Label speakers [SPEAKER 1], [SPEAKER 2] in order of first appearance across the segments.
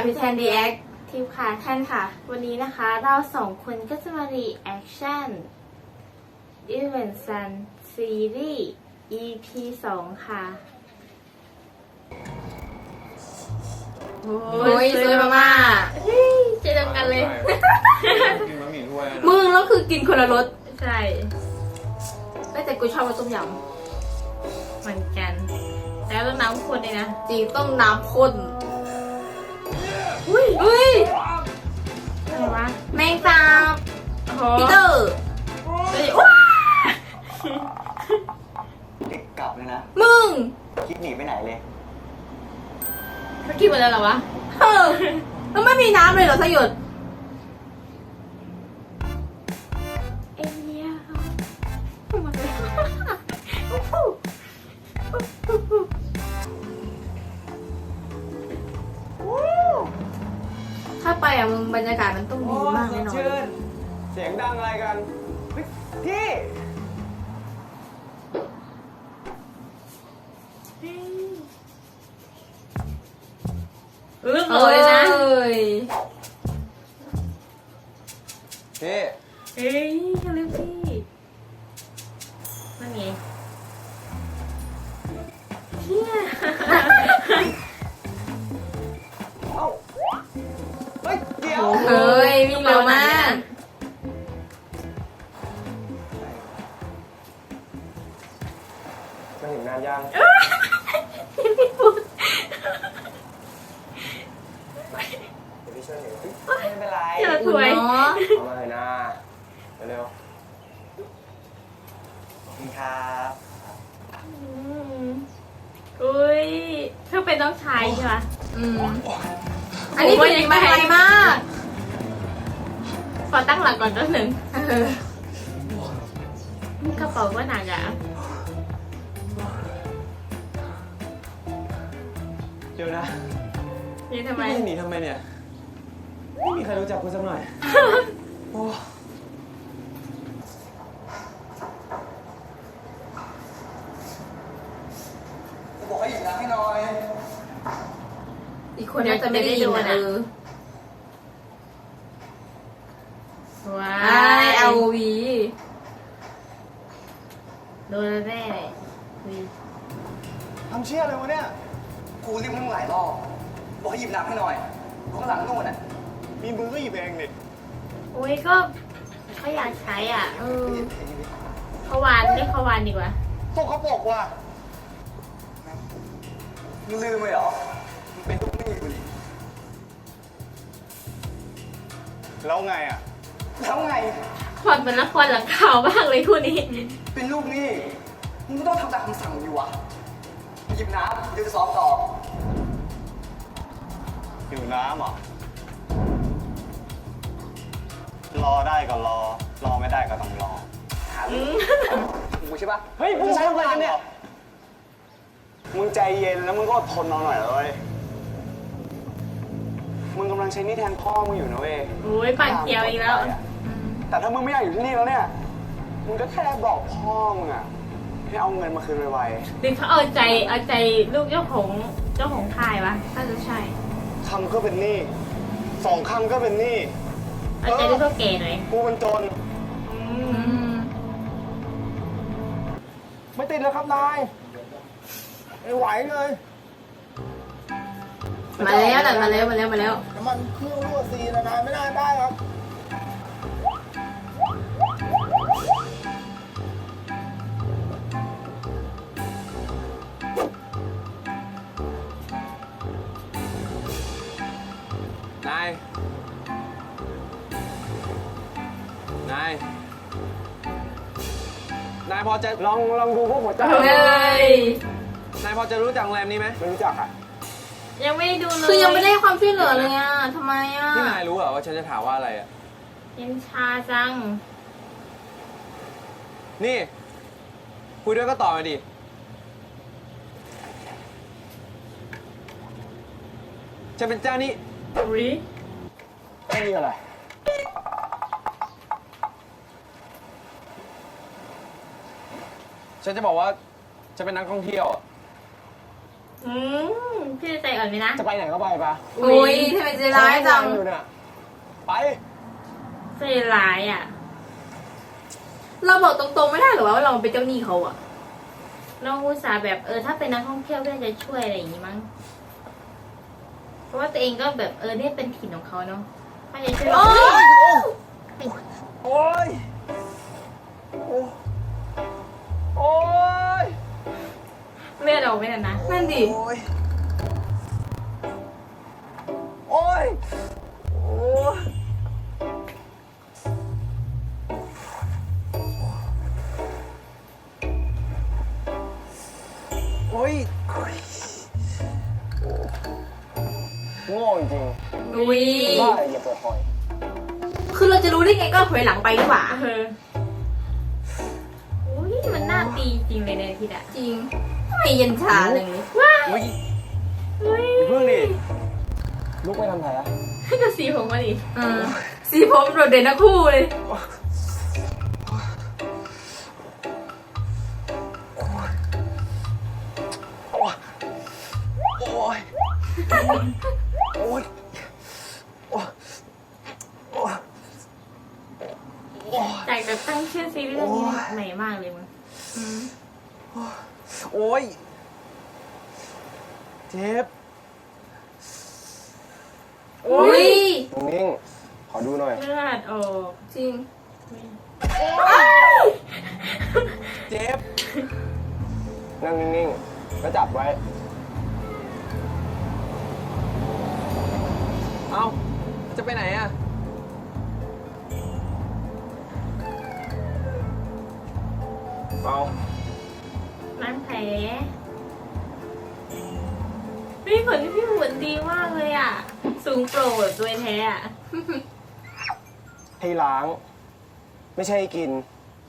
[SPEAKER 1] พี่แทนดีแอค
[SPEAKER 2] ทีมค่ะท่านค่ะ วันนี้นะคะเราสองคนก็จะมารีแอคชั่น Event Sun Series EP 2 ค่ะ
[SPEAKER 1] โอ้ยสวยมากๆ
[SPEAKER 2] เจอกันเลย
[SPEAKER 3] กินบะหมี่ถ้วยนะ
[SPEAKER 1] มึงแล้วคือกินคนละรส
[SPEAKER 2] ใช่
[SPEAKER 1] แต่กูชอบรสต้มย
[SPEAKER 2] เหมือนกัน แล้วต้องน้ำข้นเลยนะ
[SPEAKER 1] ำจริงต้องน้ำข้นอุ้ย
[SPEAKER 2] อะไรวะ
[SPEAKER 1] แมงสาบ
[SPEAKER 2] โอ้โห
[SPEAKER 1] พีเตอร์
[SPEAKER 2] เฮ้ยว้า
[SPEAKER 4] เด็กกลับเลยนะ
[SPEAKER 1] มึง
[SPEAKER 4] คิดหนีไปไหนเลย
[SPEAKER 2] เขากินหมดแล้วเหรอวะ
[SPEAKER 1] เออแล้วไม่มีน้ำเลยเหรอสยด
[SPEAKER 2] เอ็นเนียหมดแล้ว
[SPEAKER 1] ถ้าไปอ่ะมึงบรรยากาศมันต้องดีมากแน่นอน
[SPEAKER 4] เสียงดังอะไรกันเฮ้ยพี่
[SPEAKER 2] ลึกเลยนะ
[SPEAKER 1] เอ้ย
[SPEAKER 4] พี่
[SPEAKER 2] เฮ้ยเขาเรียกพี่นั่นไงเฮีย
[SPEAKER 4] เอ้าเฮ้ยเดี๋ยว
[SPEAKER 1] เฮ้ยวิ่งเร็วมาก
[SPEAKER 4] มาถึงนานยัง เดี๋ยวพี่ช่วยหนูไม่เป็นไร
[SPEAKER 2] เจอถวย
[SPEAKER 1] เนาะ
[SPEAKER 4] เอามาเลยนะเร็วๆขอบคุณครับ
[SPEAKER 2] อุ้ยเธอเป็นน้องชายใช่ปะ
[SPEAKER 1] อืมอันนี้เป็นมาไกลมาก
[SPEAKER 2] ขอตั้งหลักก่อนนิดหนึ่ง
[SPEAKER 1] เออก
[SPEAKER 2] ระเป๋าก็หนักอ่ะ
[SPEAKER 4] เดี๋ยวนะ
[SPEAKER 2] นี่ทำไม
[SPEAKER 4] พี่หนีทำไมเนี่ย ไม่มีใครรู้จักคุณสักหน่อยโอ้บอกให้หยิบน้ำให้หน่อย
[SPEAKER 1] อีกคนน่าจะไม่ได้ยินนะเออ
[SPEAKER 2] ว้า
[SPEAKER 1] ไอเอาวี
[SPEAKER 2] โดนแน่เลยอุ๊ย
[SPEAKER 4] ทำเชี่ยอะไรวะเนี่ยกูเรียกมึงหลายรอบบอกให้หยิบน้ำให้หน่อยดูข้างหลังนู่นน่ะมีมือก็หยิบเองดิ
[SPEAKER 2] อุ้ยก็เขาอยากใช้อ่ะ
[SPEAKER 1] เออ
[SPEAKER 2] เขาวานเรียกเขาวานดีกว่า
[SPEAKER 4] พวกเขาบอกว่ามึงลืมไปเหรอมึงเป็นลูกหนี้กูดิแล้วไงอ่ะแล้วไง
[SPEAKER 2] พอดเป็นละครหลังข่าวมากเลยคู่นี้
[SPEAKER 4] เป็นลูกหนี้มึงก็ต้องทำตามคำสั่งดิวะหยิบน้ำเดี๋ยวจะซ้อมต่อหิวน้ำเหรอ รอได้ก็รอ รอไม่ได้ก็ต้องรอกูใช่ปะเฮ้ยมึงใช้อะไรกันเนี่ย มึงใจเย็นแล้วมึงก็อดทนเอาหน่อยเลยมึงกำลังใช้หนี่แทนพ่อมึงอยู่นะเว้ย
[SPEAKER 2] โอ้ยปั่นเขียวอีกแล้ว
[SPEAKER 4] แต่ถ้ามึงไม่อยากอยู่ที่นี่แล้วเนี่ย มึงก็แค่บอกพ่อมึงอะให้เอาเงินมาคืนไว
[SPEAKER 2] หรือเขาเอาใจลูกเจ้าของค่ายวะน่าจะใช่
[SPEAKER 4] ๆคำก็เป็นหนี้สองคำก็เป็นหนี้
[SPEAKER 2] เอาใจลูกเท่าแก่หน่อย
[SPEAKER 4] กูเป็นจน
[SPEAKER 1] อืม
[SPEAKER 4] ไม่ติดแล้วครับนายไม่ไหวเลย
[SPEAKER 1] มาแล้วแต่มาแล้ว
[SPEAKER 4] น้ำมันเครื่องรั่วซีนะนายไม่ได้ครับ นาย นายพอจะลองดูพวกหัวใจ
[SPEAKER 1] เฮ้ย
[SPEAKER 4] นายพอจะรู้จักโรงแรมนี้ไหมไม่รู้จักอ่ะ
[SPEAKER 2] ยังไม่ได้ดูเลย
[SPEAKER 1] คือยังไม่ได้ความช่วยเหลือเลยอ่ะทำไมอ่ะ
[SPEAKER 3] ที่นายรู้เหรอว่าฉันจะถามว่าอะไรอ่ะ
[SPEAKER 2] เย็นชาจัง
[SPEAKER 3] นี่ คุยด้วยก็ตอบมาดิ ฉันเป็นเจ้าหนี้
[SPEAKER 2] อุ้ย
[SPEAKER 4] ไม่มีอะไร
[SPEAKER 3] ฉันจะบอกว่าฉันเป็นนักท่องเที่ยวอะ
[SPEAKER 2] พี่จะใจอ่อนไหมนะ
[SPEAKER 4] จะไปไหนก็ไปปะ
[SPEAKER 1] โอ้ยทำไมใจร้ายจัง
[SPEAKER 4] อยู่เนี่ยไป
[SPEAKER 2] ใจร้ายอ่ะ
[SPEAKER 1] เราบอกตรงๆไม่ได้หรอว่าเราเป็นเจ้าหนี้เขาอะ
[SPEAKER 2] น้องอุตส่าห์แบบถ้าเป็นนักท่องเที่ยวก็จะช่วยอะไรอย่างงี้มั้ง เพราะว่าตัวเองก็แบบเนี่ยเป็นถิ่นของเขาเนาะถ้าจะช่วย
[SPEAKER 1] โอ้ย
[SPEAKER 3] โอ้ย โอ้ย
[SPEAKER 2] เลือดออกไม่ทันนะ
[SPEAKER 1] นั่นดิ
[SPEAKER 3] โอ้ย โอ้ย โอ้ย โอ้ย
[SPEAKER 4] โง่จริง
[SPEAKER 1] อุ้ย
[SPEAKER 4] ๆบ้าอะไรอย่าเปิดหอย
[SPEAKER 1] คือเราจะรู้ได้ไงก็ถอยหลังไปดีกว่า
[SPEAKER 2] อุ้ยมันน่าตีจริงเลยเนี่ยทีอ่ะ
[SPEAKER 1] จริงทำไมเย็นชาเลย
[SPEAKER 3] อุ้ย
[SPEAKER 2] อุ้ย
[SPEAKER 3] อย่าเพิ่งดิ
[SPEAKER 4] ลุกไปทำแผล
[SPEAKER 2] ให้กระสีผมมาดิ
[SPEAKER 1] สีผมโดดเด่นทั้งคู่เลย
[SPEAKER 3] โอ้ย โอ้ย โอ้ย โอ้ย
[SPEAKER 2] จากแบบตั้งชื่อซีรีส์เรื่องนี้ใหม่มากเลยมึง
[SPEAKER 3] โอ้ย เจ็บ
[SPEAKER 1] อุ้ย
[SPEAKER 4] นิ่งๆขอดูหน่อย
[SPEAKER 2] เลือดออก
[SPEAKER 1] จริง
[SPEAKER 3] เจ็บ
[SPEAKER 4] นั่งนิ่งๆแล้วจับไว้
[SPEAKER 3] เอ้า จะไปไหนอะ
[SPEAKER 4] เอา
[SPEAKER 2] น้ำแผลพี่ผลพี่ผลดีมากเลยอ่ะ สูงโปรแบบด้วยแท้อ่ะ
[SPEAKER 4] ให้ล้าง ไม่ใช่ให้กิน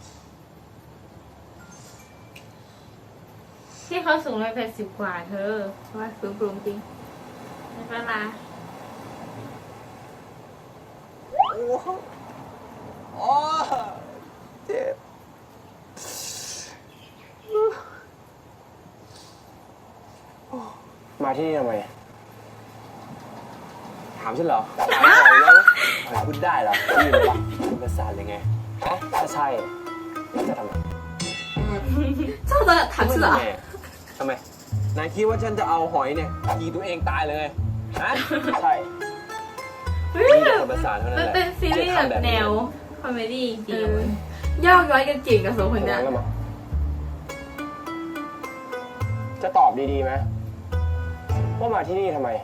[SPEAKER 2] ที่เขาสูง180กว่าเธอ
[SPEAKER 1] ว่าฟื้นปรุงจริง
[SPEAKER 2] ไม่เป็นไร
[SPEAKER 3] โอ้โหโอ้เจ็บ
[SPEAKER 4] มาที่นี่ทำไม
[SPEAKER 3] ถามฉันเหรอ
[SPEAKER 4] ถามหน่อยแล้ว
[SPEAKER 3] พูดได้เหรอได้ยินปะพูดภาษาเลยไง
[SPEAKER 4] ฮะถ้าใช่แล้วจะทำไม
[SPEAKER 1] ชอบตอนถามฉันเหรอ
[SPEAKER 3] ทำไม นายคิดว่าฉันจะเอาหอยเนี่ยยิงตัวเองตายเลยฮะ
[SPEAKER 4] ใช่
[SPEAKER 2] เฮ้ย
[SPEAKER 3] มีแต่
[SPEAKER 2] แบบ
[SPEAKER 3] คนภาษาเท่านั้น
[SPEAKER 2] มัน
[SPEAKER 3] แหละ
[SPEAKER 2] เป็นซีรีส์แบบแนวคอมเมดี้จริงๆมึง
[SPEAKER 1] ย่อกย้อยกันเก่งกับสองคนเนี้ย
[SPEAKER 4] แล้วมั้งจะตอบดีๆไหมว่ามาที่นี่ทำไม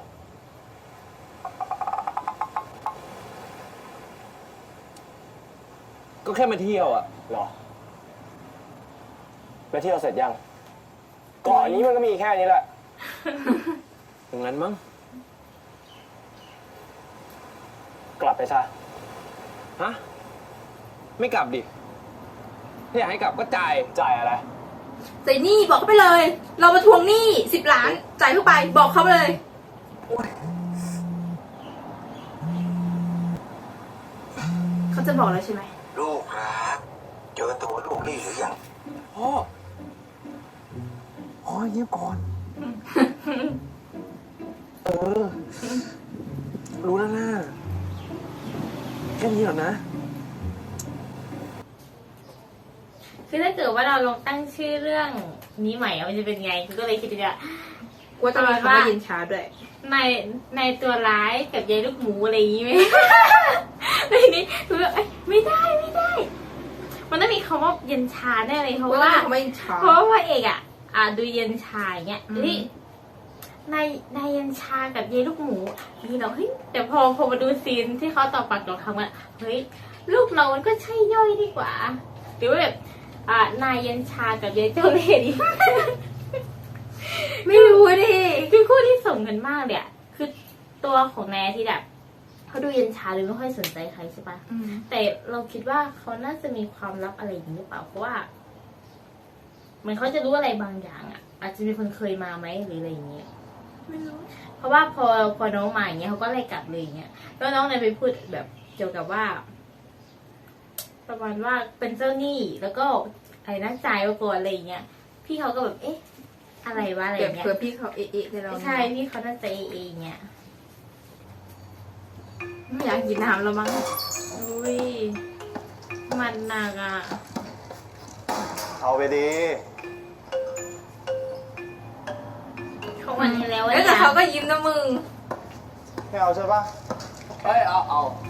[SPEAKER 3] ก็แค่มาเที่ยวอ่ะ
[SPEAKER 4] หรอ แล้วเที่ยวเสร็จยังเกาะนี้มันก็มีแค่นี้แหละ
[SPEAKER 3] อย่างนั้นมั้ง
[SPEAKER 4] กลับไปซะ
[SPEAKER 3] ฮะ ไม่กลับดิ ถ้าอยากให้กลับก็จ่าย
[SPEAKER 4] จ่ายอะไร
[SPEAKER 1] ใส่หนี้บอกเขาไปเลย เรามาทวงหนี้10 ล้าน จ่ายเข้าไป บอกเขาไปเลย เขาจะบอกแล้วใช่ไหม
[SPEAKER 5] ลูกครับเจอตัวลูกนี่หรือยัง
[SPEAKER 3] พ่อ พ่อเงียบก่อน รู้แล้วนะแค่นี้หรอนะ
[SPEAKER 2] คือถ้าเกิดว่าเราลองตั้งชื่อเรื่องนี้ใหม่อะมันจะเป็นไงก็เลยคิดว่า
[SPEAKER 1] ว่าจะมีคำว่าเย็นชาด้วย
[SPEAKER 2] ในตัวร้ายกับยายลูกหมูอะไรอย่างงี้ไหม ในนี้คือแบบไม่ได้ มันต้องมีคำว่าเย็นชาแน่เลยเพราะ
[SPEAKER 1] ว่า
[SPEAKER 2] ว่า
[SPEAKER 1] จะมีคำว่าเย็นชา
[SPEAKER 2] เพราะว่าพระเอกดูเย็นชาอย่างเงี้ย
[SPEAKER 1] อืม
[SPEAKER 2] เฮ้ยนายเย็นชากับยายลูกหมูนี่เราเฮ้ยแต่พอมาดูซีนที่เขาต่อปากต่อคำว่าเฮ้ยลูกเรามันก็ใช่ย่อยดีกว่า หรือว่าแบบนายเย็นชากับยายเจ้าเล่ห์ดี
[SPEAKER 1] ไม่รู้ดิ
[SPEAKER 2] คือคู่ที่ส่งกันมากเลยอะคือตัวของนายที่แบบเขาดูเย็นชาหรือไม่ค่อยสนใจใครใช่ปะแต่เราคิดว่าเขาน่าจะมีความลับอะไรอย่างนี้หรือเปล่าเพราะว่าเหมือนเขาจะรู้อะไรบางอย่างอะอาจจะมีคนเคยมาไหมหรืออะไรอย่างเงี้ย
[SPEAKER 1] ไม่รู้
[SPEAKER 2] เพราะว่าพอน้องมาอย่างเงี้ยเขาก็ไล่กลับเลยอย่างเงี้ยแล้วน้องเนี่ยไปพูดแบบเกี่ยวกับว่า ประมาณว่าเป็นเจ้าหนี้แล้วก็ไอ้นักจ่ายมาก่อนอะไรอย่างเงี้ยพี่เขาก็แบบเอ๊ะอะไรวะอะไร
[SPEAKER 1] เดี๋ยว
[SPEAKER 2] เงี้ย
[SPEAKER 1] เผื่อพี่เขาเอะๆไปเรา
[SPEAKER 2] ใช่พี่เขาน่าจะเองเงี้ย
[SPEAKER 1] ไม่อยากกินน้ำแล้วมั้ง
[SPEAKER 2] อุ้ยมันหนักอ่ะ
[SPEAKER 4] เอาไปดี
[SPEAKER 2] เขาวันให้แล้ว
[SPEAKER 1] แล้วแต่เขาก็ยิ้มนะมึง
[SPEAKER 4] ไม่เอาใช่ปะ
[SPEAKER 3] เฮ้ย เอา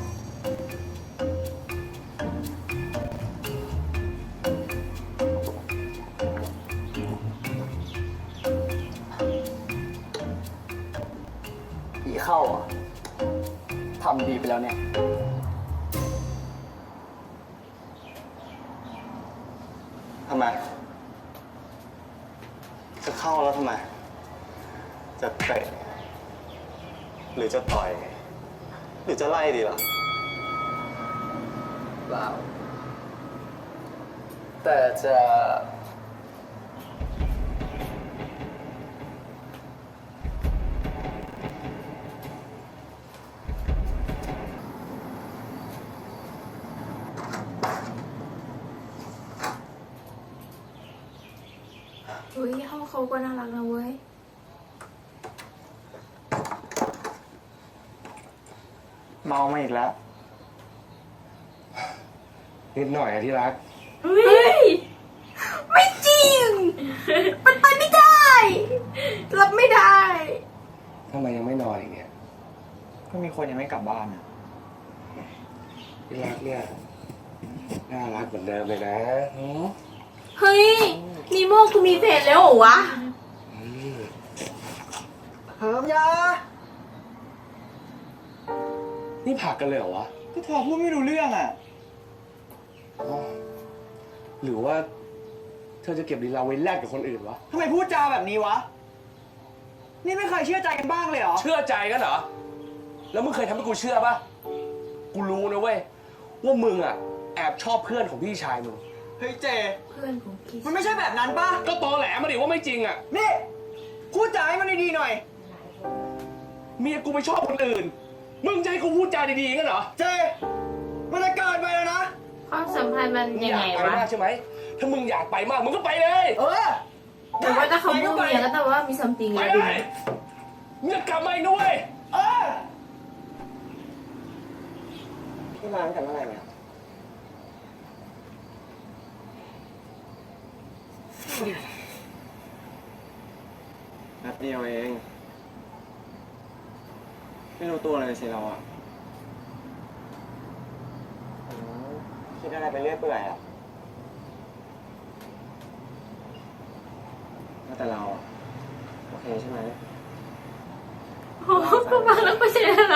[SPEAKER 3] ผีเข้าอ่ะทำดีไปแล้วเนี่ย
[SPEAKER 4] ทำไม จะเข้าแล้วทำไม จะเตะหรือจะต่อย หรือจะไล่ดีล่ะ
[SPEAKER 3] เปล่า แต่จะ
[SPEAKER 1] เฮ้ยห้องเขาก็น่ารักนะเว้ย
[SPEAKER 4] เมามาอีกแล้ว
[SPEAKER 3] นิดหน่อยอะที่รัก
[SPEAKER 1] เฮ้ย ไม่จริง มันไปไม่ได้ รับไม่ได้
[SPEAKER 3] ทำไมยังไม่นอนอีกเนี่ย
[SPEAKER 4] ก็มีคนยังไม่กลับบ้านอ่ะ
[SPEAKER 3] ที่รักเนี่ย น่ารักเหมือนเดิมเลยนะหือ
[SPEAKER 1] เฮ้ยนีโม่กูมีแฟนแล้วเหรอวะ
[SPEAKER 4] เฮิมยา
[SPEAKER 3] นี่ผลักกันเลยเหรอวะ
[SPEAKER 4] ก็เธอพูดไม่รู้เรื่องอ่ะ
[SPEAKER 3] อ๋อหรือว่า เธอจะเก็บลีลาไว้แลกกับคนอื่นวะ
[SPEAKER 4] ทำไมพูดจาแบบนี้วะ นี่ไม่เคยเชื่อใจกันบ้างเลยเหรอ
[SPEAKER 3] เชื่อใจกันเหรอ แล้วมึงเคยทำให้กูเชื่อปะกูรู้นะเว้ย ว่ามึงอ่ะ แอบชอบเพื่อนของพี่ชายมึง
[SPEAKER 4] เฮ้ยเจ
[SPEAKER 1] เพื่อนของคิส
[SPEAKER 4] มันไม่ใช่แบบนั้นป่ะ
[SPEAKER 3] ก็ตอแหลมาดิว่าไม่จริงอ่ะ
[SPEAKER 4] นี่ พูดจาให้มันดีๆหน่อย
[SPEAKER 3] เมียกูไปชอบคนอื่น มึงจะให้กูพูดจาดีๆกันเหรอ
[SPEAKER 4] เจ มันจะเกินไปแล้วนะ
[SPEAKER 2] ความสัมพันธ์มัน
[SPEAKER 3] มึง
[SPEAKER 2] ยัง
[SPEAKER 3] อยา
[SPEAKER 2] ไง
[SPEAKER 3] กไป
[SPEAKER 2] วะ
[SPEAKER 3] มากใช่ไหม ถ้ามึงอยากไปมากมึงก็ไปเลย
[SPEAKER 4] เออ
[SPEAKER 1] แต่ว่าถ้าเขาพูดเมียก็แต่ว่ามีซัมติง
[SPEAKER 3] ไป
[SPEAKER 1] แล้ว
[SPEAKER 3] เล
[SPEAKER 1] ดู
[SPEAKER 3] ยมึงจะกลับมาอีกด้วย
[SPEAKER 4] เออพี่มาตั้งแต่เมื่อไหร่เนี่ยแป๊บเดียวเอง ไม่รู้ตัวเลยสิเราอ่ะคิดอะไรไปเรื่อยเปื่อยอ่ะแต่เราอะโอเคใช่ไหม
[SPEAKER 2] โอ้โหก็มาแล้วก็ใช่อะไร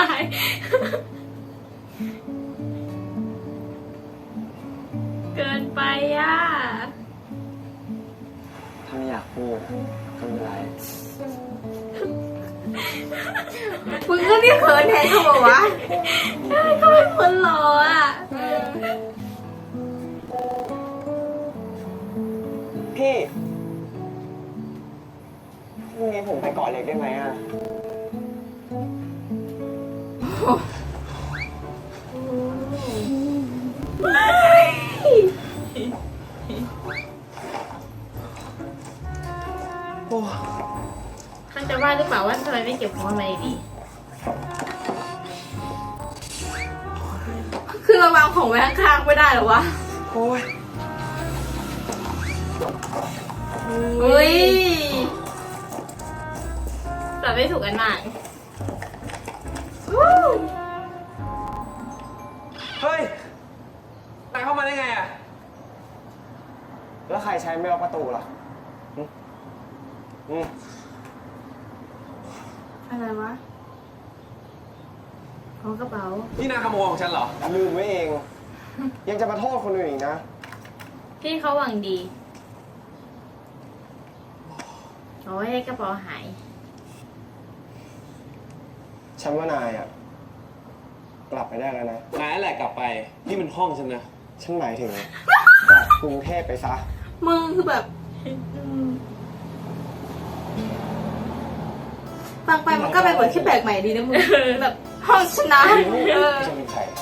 [SPEAKER 2] เกินไปอ่ะ
[SPEAKER 4] ถ้าไม่อยากพูดอะก็ไม่เป็นไร
[SPEAKER 1] มึงก็นี่เขินแทนเขาบอกวะ
[SPEAKER 2] เขาเป็นคนหล่ออ่ะ
[SPEAKER 4] พี่พรุ่งนี้ผมไปเกาะเล็กได้ไหมอ่ะ
[SPEAKER 2] เขาจะว่าหรือเปล่าว่าทำไมไม่เก็บของมาดี
[SPEAKER 1] คือเราวางของไว้ข้างๆไม่ได้เหรอวะ
[SPEAKER 4] โอ้ย
[SPEAKER 1] เฮ้ย
[SPEAKER 2] แต่ไม่ถูกกันมาก
[SPEAKER 3] เฮ้ยนายเข้ามาได้ไงอ่ะ
[SPEAKER 4] แล้วใครใช้ไม่ล็อกประตูล่ะอืม
[SPEAKER 1] อะไรวะ
[SPEAKER 2] ของกระเป๋า
[SPEAKER 3] นี่นายขโมยของฉันเหรอ
[SPEAKER 4] ลืมไว้เอง ยังจะมาโทษคนอื่นอีกนะ
[SPEAKER 2] พี่เขาหวังดีเอาไว้ให้กระเป๋าหาย
[SPEAKER 4] ฉันว่านายอ่ะ กลับไปได้แล้วนะ
[SPEAKER 3] นายแหละกลับไป นี่มันห้องฉันนะ
[SPEAKER 4] ฉันหมายถึง กลับกรุงเทพไปซะ
[SPEAKER 1] มึงคือแบบฟังไปมันก็เป็นบทที่แปลกใหม่ดีนะมึง แบบห้องชนะเออ
[SPEAKER 4] จะเป็นใคร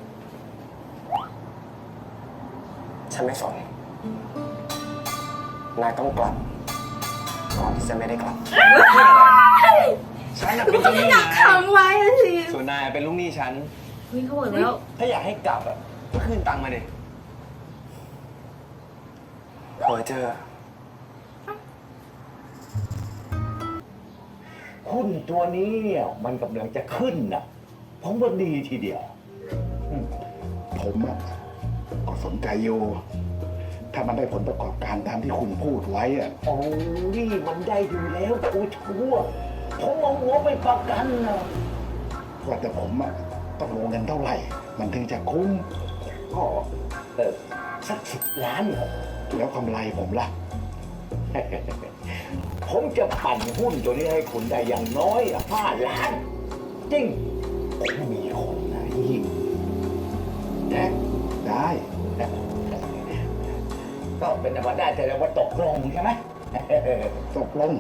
[SPEAKER 4] ฉันไม่สนนายต้องกลับก่อนที่จะไม่ได้กลับ ฉันน่ะ
[SPEAKER 1] คื
[SPEAKER 4] เป็
[SPEAKER 1] อน มัน
[SPEAKER 4] ลู
[SPEAKER 1] ต้อก ง
[SPEAKER 4] หนี้
[SPEAKER 1] อยากขังไว้อะสิ
[SPEAKER 4] ส่วนนายเป็นลูกหนี้ฉัน
[SPEAKER 2] เฮ้ยเขาบอกแล้ว
[SPEAKER 4] ถ้าอยากให้กลับอ่ะก็คืนตังค์มาดิพอเจอ
[SPEAKER 6] หุ้นตัวนี้เนี่ยมันกำลังจะขึ้นนะผมว่าดีทีเดียว
[SPEAKER 5] ผมอะก็สนใจอยู่ ถ้ามันได้ผลประกอบการตามที่คุณพูดไว้อะ
[SPEAKER 6] โอ้นี่มันได้อยู่แล้วกูชั่วผมเอาหัวไปประกันนะ
[SPEAKER 5] ว่าแต่ผมอะต้องลงเงินเท่าไหร่ มันถึงจะคุ้ม
[SPEAKER 6] ก็สัก10 ล้านเหรอ
[SPEAKER 5] แล้วกำไรผมล่ะ
[SPEAKER 6] ผมจะปั่นหุ้นตัวนี้ให้คุณได้อย่างน้อย5 ล้าน จริงผมมีคนนะยิ่ง
[SPEAKER 5] ได้
[SPEAKER 6] ก็เป็นธรรมดาแต่ว่าตกลงใช่ไหม
[SPEAKER 5] ตกลง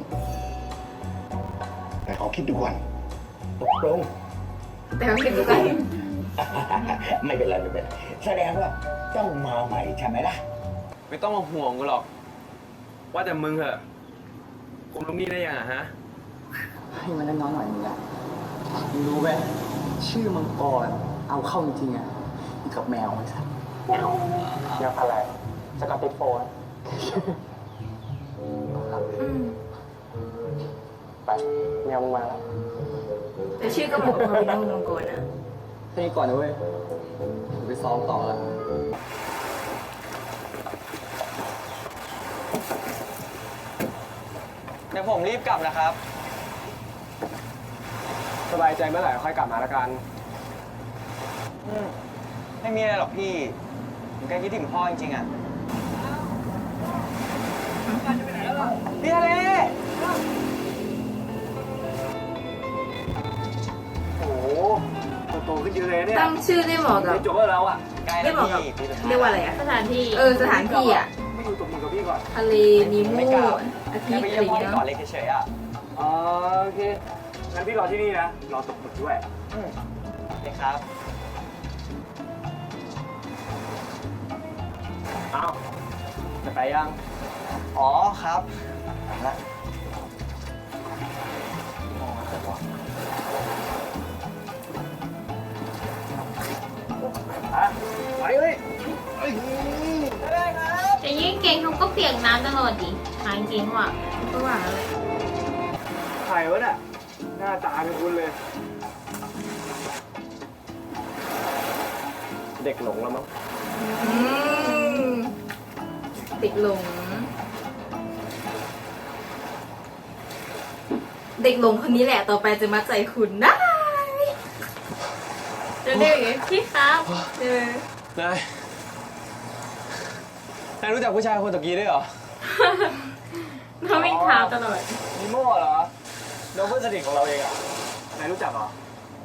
[SPEAKER 5] แต่ขอคิดดูก่อน
[SPEAKER 6] ตกลง
[SPEAKER 1] แต่เขาคิดดูกัน
[SPEAKER 6] ไม่เป็นไรไม่เป็นไรแสดงว่าต้องมาใหม่ใช่ไหมล่ะ
[SPEAKER 3] ไม่ต้องมาห่วงกูหรอก ว่าแต่มึงเหอะคุมลูกหนี้ได้ยังอะฮะ
[SPEAKER 4] ให้มันน้อยหน่อยมึงอะมึงรู้ไหมชื่อมังกรเอาเข้าจริงๆอะอีกกับแมวมันสัตว์แมวอะไรสกอตติชโฟนไปแมวมึงมาแล้ว
[SPEAKER 1] แต่ชื่อก็บอกว่าเป็นน้องมังกรนะ
[SPEAKER 4] ให้ก่อนนะเว้ยไปซ้อมต่อแล้วเดี๋ยวผมรีบกลับนะครับ สบายใจเมื่อไหร่ค่อยกลับมาละกันไม่มีอะไรหรอกพี่ผมแค่คิดถึงพ่อจริงๆอ่ะพี่ทะเลโอ้โหโตขึ้นเยอะเลยเนี่ย
[SPEAKER 1] ตั้งชื่อได้เหมาะกับ
[SPEAKER 4] จบแล้วเราอ่ะใกล้
[SPEAKER 1] ได้
[SPEAKER 4] แล้ว
[SPEAKER 1] เหมาะกับ
[SPEAKER 4] พี่
[SPEAKER 1] เรียกว่าอะไรอะ
[SPEAKER 2] สถานที่
[SPEAKER 1] สถานที่อะ
[SPEAKER 4] ไม่อยู่ตบมือกับพี่ก่อน
[SPEAKER 1] ทะเลนิโม
[SPEAKER 4] ไม่กลับ
[SPEAKER 1] อาทิ
[SPEAKER 4] แค่
[SPEAKER 1] ตย์
[SPEAKER 4] ไป
[SPEAKER 1] อะไร
[SPEAKER 4] เยี่ยมพ่อที่
[SPEAKER 1] เงี้ย
[SPEAKER 4] เก่อนเล็กเฉยๆอ่ะอ๋อโอเคงั้นพี่รอที่นี่นะรอตกหมึกด้วยโอเคครับอ้าวจะไปยังอ๋อครับแล้ว ไปเลย
[SPEAKER 2] แต่ยิ่งเก่งเขาก็เปียกน้ำตลอดดิหายจริงว่ะ
[SPEAKER 1] ก็ว่าแล้วแหละ
[SPEAKER 4] ใครวะเนี่ยหน้าตาเป็นคุณเลย เด็กหลงแล้วมั้ง
[SPEAKER 1] อืมติดหลง เด็กหลงคนนี้แหละต่อไปจะมัดใจคุณได้
[SPEAKER 2] จะเรียกอย่างงี้พี่ครับ
[SPEAKER 3] นายรู้จักผู้ชายคนตะกี้ด้วยเหรอ
[SPEAKER 2] เขาวิ่งเท้าตลอด
[SPEAKER 4] นิโม่เหรอน้องเพื่อนสนิทของเราเองอ่ะนายรู้จักเหรอ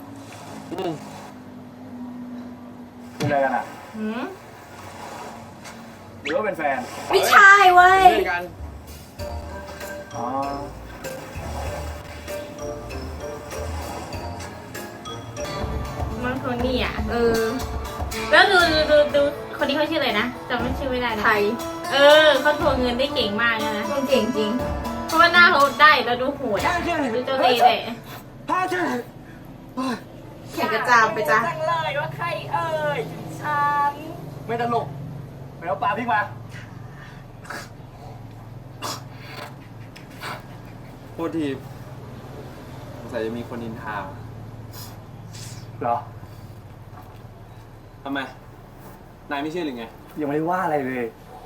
[SPEAKER 4] เป็นอะไรกันอ่ะ
[SPEAKER 1] หืม
[SPEAKER 4] หรือว่าเป็นแฟน
[SPEAKER 1] ไม่ใช่เว้ย
[SPEAKER 3] เพื่อนกัน
[SPEAKER 4] อ๋อ
[SPEAKER 2] มันคนนี้อ่ะ แล้วดูคนนี้เขาชื่ออะไรนะจำไม่ชื่อไม่ได้นะ
[SPEAKER 1] ไทย
[SPEAKER 2] เขาทวงเงินได้เก่งมากเลยนะ
[SPEAKER 1] เก่งจริง
[SPEAKER 2] เพราะว่าหน้าเขาได้แล้วดูโหดอะดูเจ้าเล่ห์เลย
[SPEAKER 1] เขียนกระจามไปจ้ะ
[SPEAKER 4] ไม่ตลกไปเอาปลาพริกมา
[SPEAKER 3] โทษทีสงสัยจะมีคนนินทา
[SPEAKER 4] เหรอ
[SPEAKER 3] ทำไม นายไม่เชื่อหรือไง
[SPEAKER 4] ยังไม่ได้ว่าอะไรเลย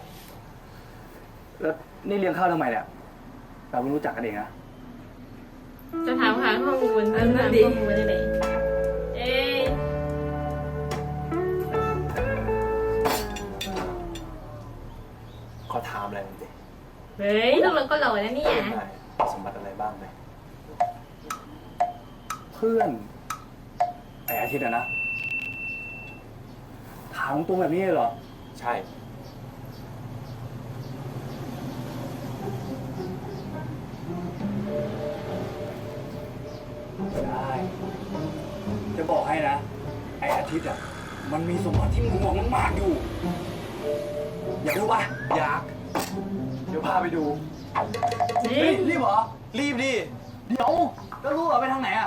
[SPEAKER 4] แล้วนี่เลี้ยงข้าวทำไมเนี่ย เราไม่รู้จักกันเองนะ
[SPEAKER 2] จะถามหาข้อมูลจะถามข้อมูลได้เลยเอ๊ะ
[SPEAKER 3] ขอถามอะไรหน่อยดิ
[SPEAKER 2] เฮ้ยลูกเราก็หล่อนะเนี่ย
[SPEAKER 3] นายสมบัติอะไรบ้างไหม
[SPEAKER 4] เพื่อนไอ้อาทิตย์อะนะ ถามตรงแบบนี้เลยเหรอ
[SPEAKER 3] ใช่
[SPEAKER 4] ได้ จะบอกให้นะ ไอ้อาทิตย์อ่ะ มันมีสมบัติที่มึงหวงมากๆอยู่ อยากรู้ปะ
[SPEAKER 3] อยาก
[SPEAKER 4] เดี๋ยวพาไปดู
[SPEAKER 2] นี่
[SPEAKER 4] เฮ้ยรีบเหรอ รีบดิ เดี๋ยวแล้วรู้เหรอไปทางไหนอ่ะ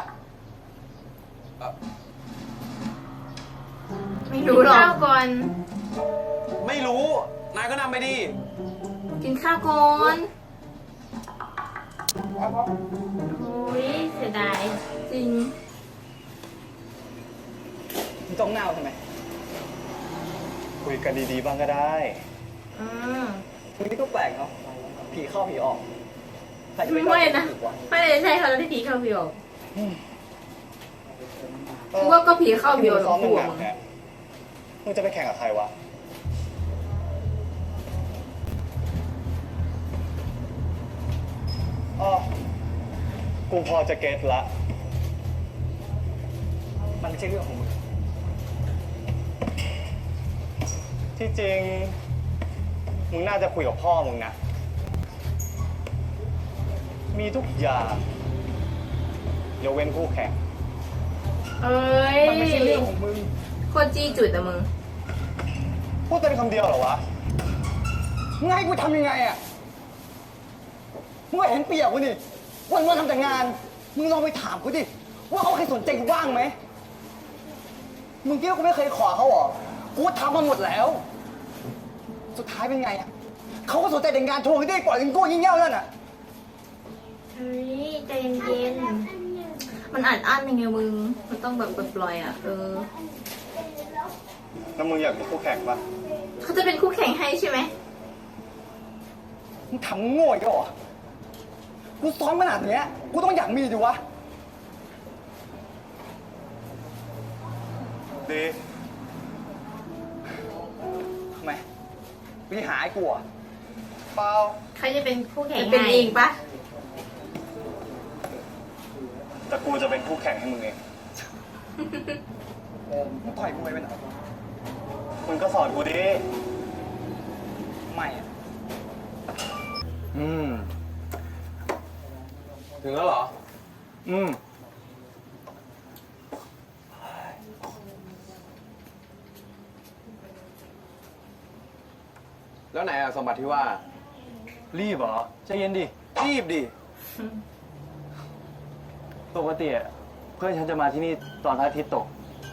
[SPEAKER 1] ไม่รู้หรอ
[SPEAKER 2] ข้าก วก่อน
[SPEAKER 3] ไม่รู้ นายก็นำไปดิ
[SPEAKER 1] กินข้าวก่อน
[SPEAKER 2] โอ้ยเสียดาย
[SPEAKER 1] จริง
[SPEAKER 4] มึงจ้องหน้าทำไม คุยกันดีๆบ้างก็ได้
[SPEAKER 2] อืม
[SPEAKER 4] มึงนี่ก็แปลกเนาะ ผีเข้าผีออกใครจะ
[SPEAKER 2] ไม่
[SPEAKER 4] เข้า
[SPEAKER 2] นะ
[SPEAKER 4] ผีวะ
[SPEAKER 2] ไม่ได้ใช่เขาแล้วที่ผีเข้าผีออก
[SPEAKER 1] คือว่าก็ผีเข้าผีออก
[SPEAKER 4] ซ้อม
[SPEAKER 1] ทั้ง
[SPEAKER 4] ห
[SPEAKER 1] คู่
[SPEAKER 4] นั
[SPEAKER 1] อะ
[SPEAKER 4] กๆเนี่ยมึงจะไปแข่งกับใครวะอ๋อกูพอจะเก็ตละ มันไม่ใช่เรื่องของมึง ที่จริง มึงน่าจะคุยกับพ่อมึงนะ มีทุกอย่างยกเว้นคู่แข่ง
[SPEAKER 2] เอ้ย
[SPEAKER 4] มันไม่ใช่เรื่องของมึง
[SPEAKER 1] โคตรจี้จุดอะมึง
[SPEAKER 4] พูดเป็นคำเดียวเหรอวะ มึงให้กูทำยังไงอ่ะ มึงก็เห็นเปียกกูนี่วันๆทำแต่งาน มึงลองไปถามกูดิ ว่าเขาเคยสนใจกูบ้างไหม มึงคิดว่ากูไม่เคยขอเขาเหรอ กูทำมาหมดแล้ว สุดท้ายเป็นไงอ่ะ เขาก็สนใจแต่งานโชว์ให้ได้ปล่อยกันกู้ยิ่งเง่านั่นอ่ะ
[SPEAKER 2] เฮ้ยใจเย็น
[SPEAKER 1] มันอัดอั้นยังไงมึง มันต้องแบบปล่อยๆอะ
[SPEAKER 4] แล้วมึงอยากเป็นคู่แข่งปะ
[SPEAKER 1] เขาจะเป็นคู่แข่งให้ใช่ไหม
[SPEAKER 4] มึงทำโง่อีกแล้วเหรอ กูซ้อมขนาดเนี้ย กูต้องอยากมีดิวะ ดีทำไมมึงหาไอ้กูเหรอ่ะเปล่า
[SPEAKER 2] ๆเขาจะเป็นคู่แข่ง
[SPEAKER 1] จะเป็น
[SPEAKER 2] ให้
[SPEAKER 1] เองปะ
[SPEAKER 4] แต่กูจะเป็นคู่แข่งให้มึงเอง มึงต่อยกูไปเป็นอะไรมึงก็สอนกูดิ ไม่อะ
[SPEAKER 3] ถึงแล้วเหรอ แล้วไหนอะสมบัติที่ว่า
[SPEAKER 4] รีบเหรอใจเย็นดิ
[SPEAKER 3] รีบดิ
[SPEAKER 4] ปกติอะเพื่อนฉันจะมาที่นี่ตอนพระอาทิตย์ตก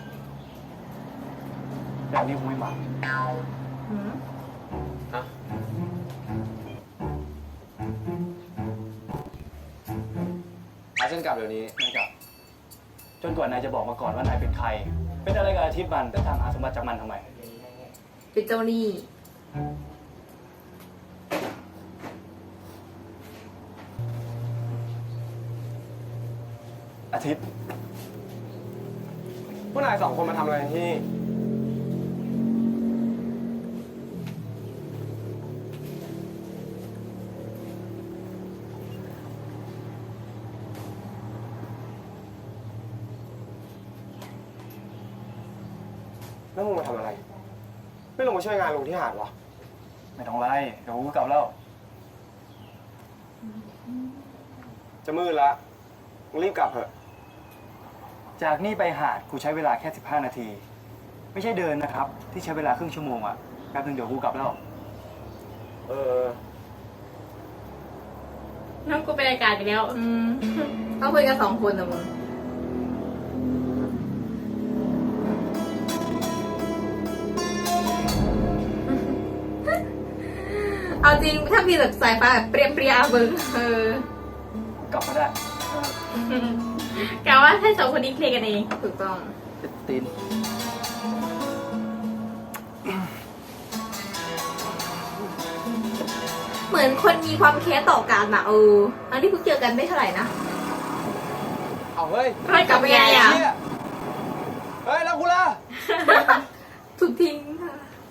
[SPEAKER 4] แต่อันนี้กูไม่มา
[SPEAKER 2] หืม
[SPEAKER 3] ฮะ พาฉันกลับเดี๋ยวนี้
[SPEAKER 4] ไม่กลับ จนกว่านายจะบอกมาก่อนว่านายเป็นใคร เป็นอะไรกับอาทิตย์มันแล้วตามหาสมบัติจากมันทำไม
[SPEAKER 1] เป็นเจ้าหนี้
[SPEAKER 4] อาทิตย์
[SPEAKER 3] พวกนายสองคนมาทำอะไรที่นี่ แล้วมึงมาทำอะไร ไม่ลงมาช่วยงานลุงที่หาดวะ
[SPEAKER 4] ไม่ต้องไล่เดี๋ยวกูกลับแล้ว
[SPEAKER 3] จะมืดละมึงรีบกลับเถอะ
[SPEAKER 4] จากนี่ไปหาดกูใช้เวลาแค่ 15 นาที ไม่ใช่เดินนะครับ ที่ใช้เวลาครึ่งชั่วโมงอะแป๊บนึงเดี๋ยวกูกลับแล้ว
[SPEAKER 3] เออ
[SPEAKER 2] น้องกูเป็นรายการไปแล้ว
[SPEAKER 1] ต้องคุยกัน2 คนอะมึง เอาจริงถ้ามีแบบสายฟ้าแบบเปรี้ยๆมึง
[SPEAKER 4] กลับมาได้
[SPEAKER 2] กะว่าให้สองคนนี้เคลียร์กันเอง
[SPEAKER 1] ถูกต้อง
[SPEAKER 4] ตีน
[SPEAKER 1] เหมือนคนมีความแค้นต่อกันอะอันนี้เพิ่งเจอกันไม่เท่าไหร่นะ
[SPEAKER 3] เอาเฮ้ย
[SPEAKER 2] ไม่กลับไปไงอะ
[SPEAKER 3] เหี้ยเฮ้ย แล้วกูล่ะ
[SPEAKER 1] ถูกทิ้งค่ะ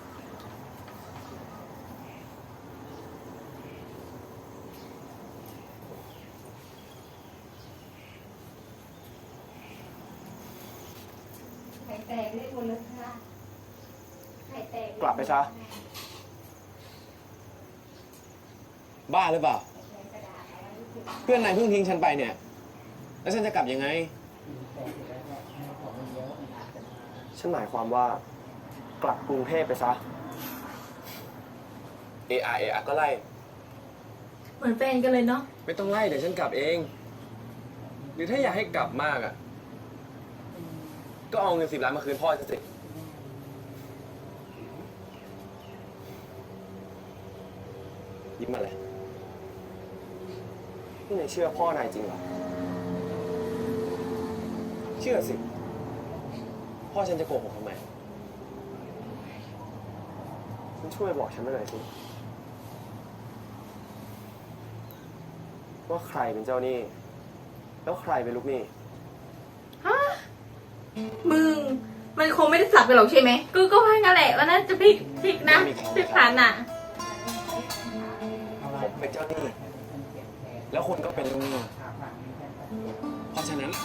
[SPEAKER 7] ไข่แตกได้หมดเลยค่ะไข่แตก
[SPEAKER 3] กลับไปซะ บ้าหรือเปล่า เพื่อนนายเพิ่งทิ้งฉันไปเนี่ย แล้วฉันจะกลับยังไง ฉันหมายความว่า กลับกรุงเทพไปซะ เออาก็ไล่
[SPEAKER 1] เหมือนแฟนกันเลยเนาะ
[SPEAKER 3] ไม่ต้องไล่เดี๋ยวฉันกลับเอง หรือถ้าอยากให้กลับมากอ่ะ ก็เอาเงิน10 ล้านมาคืนพ่อฉันสิยิ้มมาเลยนี่นายเชื่อพ่อนายจริงเหรอ เชื่อสิ พ่อฉันจะโกหกทำไมคุณช่วยบอกฉันหน่อยสิว่าใครเป็นเจ้าหนี้ แล้วใครเป็นลูกหนี้
[SPEAKER 1] มึง มันคงไม่ได้สลับกันหรอกใช่ไหม
[SPEAKER 2] กูก็ว่างั้นแหละว่าน่าจะพลิกนะพลิกผันอ่ะ
[SPEAKER 3] ผมเป็นเจ้าหนี้ แล้วคุณก็เป็นลูกหนี้ เพราะฉะนั้น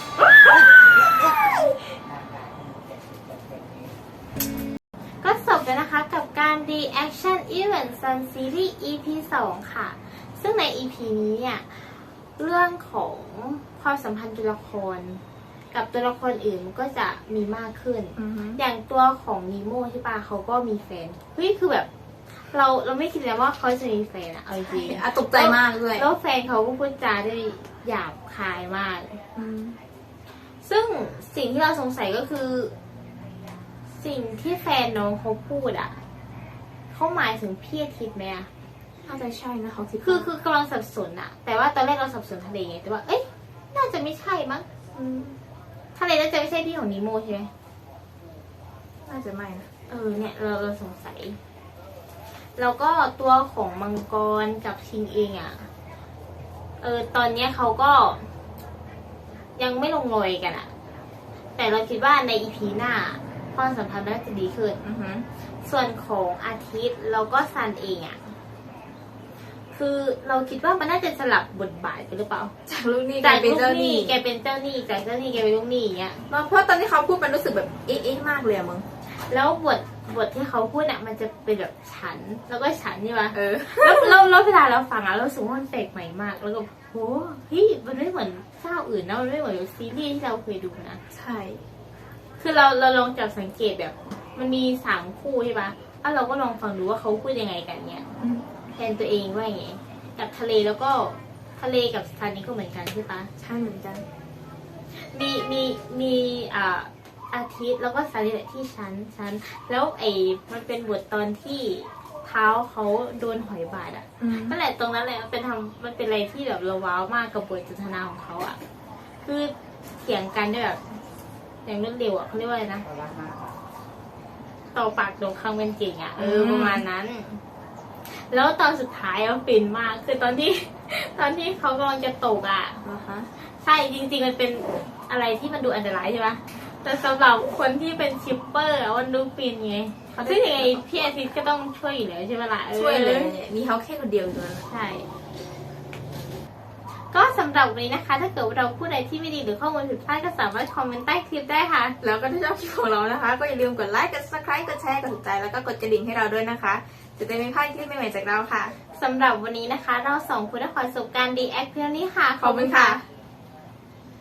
[SPEAKER 2] ก็จบแล้วนะคะกับการ Reaction Event Sun Series EP 2 ค่ะ ซึ่งใน EP นี้เนี่ย เรื่องของความสัมพันธ์ตัวละคร กับตัวละครอื่นมันก็จะมีมากขึ้น อย่างตัวของนีโม่ใช่ปะเขาก็มีแฟน เฮ้ย คือแบบ เราไม่คิดเลยว่าเขาจะมีแฟนอะเอาจริง
[SPEAKER 1] อ่ะตกใจมากด้วย
[SPEAKER 2] แล้วแฟนเขาก็พูดจาได้หยาบคายมาก ซึ่งสิ่งที่เราสงสัยก็คือ สิ่งที่แฟนน้องเขาพูดอะเขาหมายถึงพี่อาทิตย์ไหมอะ
[SPEAKER 1] น่าจะใช่นะเขาคิด
[SPEAKER 2] คือกำลังสับสนอะแต่ว่าตอนแรกเราสับสนทะเลไงแต่ว่า เอ้ยน่าจะไม่ใช่มั้งทะเลน่าจะไม่ใช่พี่ของนีโมใช่ไหม
[SPEAKER 1] น่าจะไม่นะ
[SPEAKER 2] เนี่ยเราสงสัย แล้วก็ตัวของมังกรกับชิงเองอะตอนเนี้ยเขาก็ยังไม่ลงรอยกันอะแต่เราคิดว่าในอีพีหน้าความสัมพันธ์น่าจะดีขึ้น ส่วนของอาทิตย์แล้วก็ซันเองอะคือเราคิดว่ามันน่าจะสลับบทบาทกันหรือเปล่า
[SPEAKER 1] จากลูกหนี้กลายเป็นเจ้าหนี้
[SPEAKER 2] แกเป็นเจ้าหนี้จากเจ้าหนี้แกเป็นลูกหนี้อย่างเงี้ย
[SPEAKER 1] เพราะตอนที่เขาพูดมันรู้สึกแบบเอ๊ะมากเลยอะมึง
[SPEAKER 2] แล้วบทที่เขาพูดเนี่ยมันจะเป็นแบบฉันแล้วก็ฉันใช่ปะ
[SPEAKER 1] เออ
[SPEAKER 2] แล้วเวลาเราฟังอะเรารู้สึกว่ามันแปลกใหม่มาก แล้วก็โหเฮ้ยมันไม่เหมือนเจ้าอื่นนะมันไม่เหมือนซีรีส์ที่เราเคยดูนะ
[SPEAKER 1] ใช่
[SPEAKER 2] คือเราลองจับสังเกตแบบ มันมี3 คู่ใช่ปะเราก็ลองฟังดูว่าเขาพูดยังไงกันเนี่ยแทนตัวเองว่าอย่างไงกับทะเลแล้วก็ทะเลกับซันนี่ก็เหมือนกันใช่ปะ
[SPEAKER 1] ใช่เหมือนกัน
[SPEAKER 2] มีอาทิตย์แล้วก็ซันนี่แหละที่ชั้นแล้วมันเป็นบทตอนที่เท้าเขาโดนหอยบาดอ่ะนั่นแหละตรงนั้นแหละมันเป็นอะไรที่แบบเราว้าวมากกับบทสนทนาของเขาอ่ะคือเถียงกันด้วยแบบอย่างรวดเร็วอ่ะเขาเรียกว่าอะไรนะต่อปากตรงคำเป็นเก่งอ่ะประมาณนั้น แล้วตอนสุดท้ายมันฟินมากคือตอนที่เขากำลังจะตกอ่ะ
[SPEAKER 1] นะคะ
[SPEAKER 2] ใช่จริงๆมันเป็นอะไรที่มันดูอันตรายใช่ปะแต่สำหรับคนที่เป็นชิปเปอร์อะมันดูฟินไงซึ่งยังไงพี่อาทิตย์ก็ต้องช่วยอยู่แล้วใช่ไหมล่ะ
[SPEAKER 1] ช่วยเลยมีเขาแค่คนเดียวตัวนั้น
[SPEAKER 2] ใช่ ก็สำหรับวันนี้นะคะ ถ้าเกิดว่าเราพูดอะไรที่ไม่ดีหรือข้อมูลผิดพลาดก็สามารถคอมเมนต์ใต้คลิปได้ค่ะ
[SPEAKER 1] แล้วก็ถ้าชอบคลิปของเรานะคะ ก็อย่าลืมกดไลค์ กด subscribe กดแชร์ กดถูกใจ แล้วก็กดกระดิ่งให้เราด้วยนะคะ จะได้ไม่พลาดคลิปใหม่ๆจากเราค่ะ
[SPEAKER 2] สำหรับวันนี้นะคะ เรา2คนได้ขอจบการ react เพียงนี้ค่ะ
[SPEAKER 1] ขอบคุณค่ะ